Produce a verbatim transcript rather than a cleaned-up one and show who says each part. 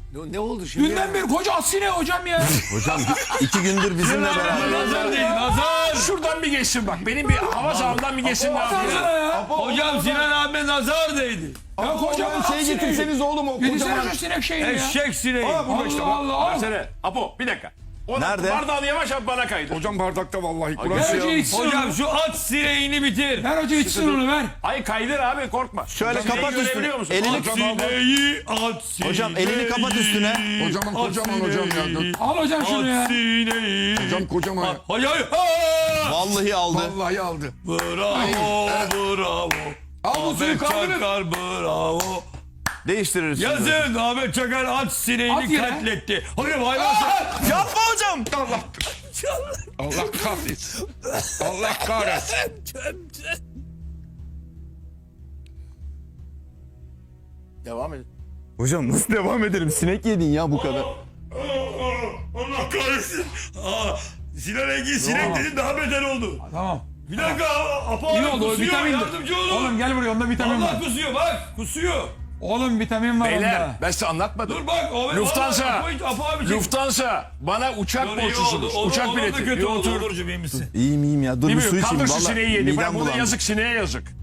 Speaker 1: Ne, ne oldu şimdi?
Speaker 2: Dünden beri koca asine hocam ya.
Speaker 3: Hocam iki gündür bizimle beraber.
Speaker 4: Nazar değil, nazar.
Speaker 1: Şuradan bir geçsin bak. Benim bir hava sahamdan bir geçsin. Ne yapıyor?
Speaker 2: Baksana ya.
Speaker 4: Hocam Sinan abi nazar değdi.
Speaker 2: Ya kocaman
Speaker 5: Şey getirseniz oğlum o
Speaker 2: Yedisene
Speaker 5: kocaman.
Speaker 2: şu sinek şeyini ya.
Speaker 4: Eşek sineği.
Speaker 2: Allah Allah Allah.
Speaker 1: Versene. Apo bir dakika. O da
Speaker 3: Nerede?
Speaker 1: bardağını yavaş yap bana kaydır.
Speaker 5: Hocam bardakta vallahi. Kur'an
Speaker 2: Ver
Speaker 5: şey
Speaker 2: hoca içsin
Speaker 4: Hocam
Speaker 2: onu.
Speaker 4: şu at sineğini bitir.
Speaker 2: Ver hoca içsin onu ver.
Speaker 1: Ay kaydır abi korkma.
Speaker 3: Şöyle
Speaker 1: Sineği
Speaker 3: kapat üstüne.
Speaker 1: görebiliyor musun?
Speaker 3: Elini
Speaker 4: At sineği, at sineği.
Speaker 3: Hocam elini kapat üstüne.
Speaker 5: Kocaman kocaman hocam ya.
Speaker 2: Al hocam şunu ya.
Speaker 4: At sineği.
Speaker 5: Hocam kocaman ya.
Speaker 4: Hayır hayır. Aa!
Speaker 3: Vallahi aldı.
Speaker 5: Vallahi aldı.
Speaker 4: Bravo, bravo.
Speaker 5: Al bu suyu
Speaker 4: Ahmet
Speaker 5: kaldırın.
Speaker 4: Çakar bravo.
Speaker 3: Değiştiririz. şimdi.
Speaker 4: Yazın Ahmet Çakar at
Speaker 2: At
Speaker 4: sineğini
Speaker 2: yere.
Speaker 4: katletti. Hocam hayvan.
Speaker 3: Yapma hocam.
Speaker 5: Allah. Allah kahretsin. Allah kahretsin.
Speaker 1: Devam et.
Speaker 3: Hocam nasıl devam edelim? Sinek yedin ya bu kadar.
Speaker 4: Allah kahretsin. Aa, Sinan Engin sinek dedi daha beter oldu.
Speaker 2: Tamam.
Speaker 4: Bir dakika. Apa
Speaker 2: İyi
Speaker 4: abi
Speaker 2: oldu o
Speaker 4: kusuyor.
Speaker 2: vitamin.
Speaker 4: Yardımcı olun.
Speaker 2: Oğlum gel buraya onda vitamin var.
Speaker 4: Allah kusuyor bak. Kusuyor.
Speaker 2: Oğlum vitamin var
Speaker 1: Beyler
Speaker 2: onda.
Speaker 1: ben size anlatmadım.
Speaker 4: Dur bak. O,
Speaker 1: Lufthansa.
Speaker 4: Apa, Apa abi çek.
Speaker 1: Lufthansa bana uçak
Speaker 4: Dur, iyi oldu.
Speaker 1: borçlusunuz.
Speaker 4: Olur,
Speaker 1: Uçak
Speaker 4: olur da
Speaker 1: bileti.
Speaker 4: kötü
Speaker 1: Bir
Speaker 4: oldu.
Speaker 1: otur.
Speaker 4: Olurcuğum iyi misin?
Speaker 3: İyiyim iyiyim ya. Dur bir
Speaker 1: Bilmiyorum,
Speaker 3: su içeyim.
Speaker 1: kaldır şu
Speaker 3: Vallahi
Speaker 1: sineği yedi.
Speaker 3: midem
Speaker 1: Ben burada
Speaker 3: bulandı.
Speaker 1: yazık sineğe yazık.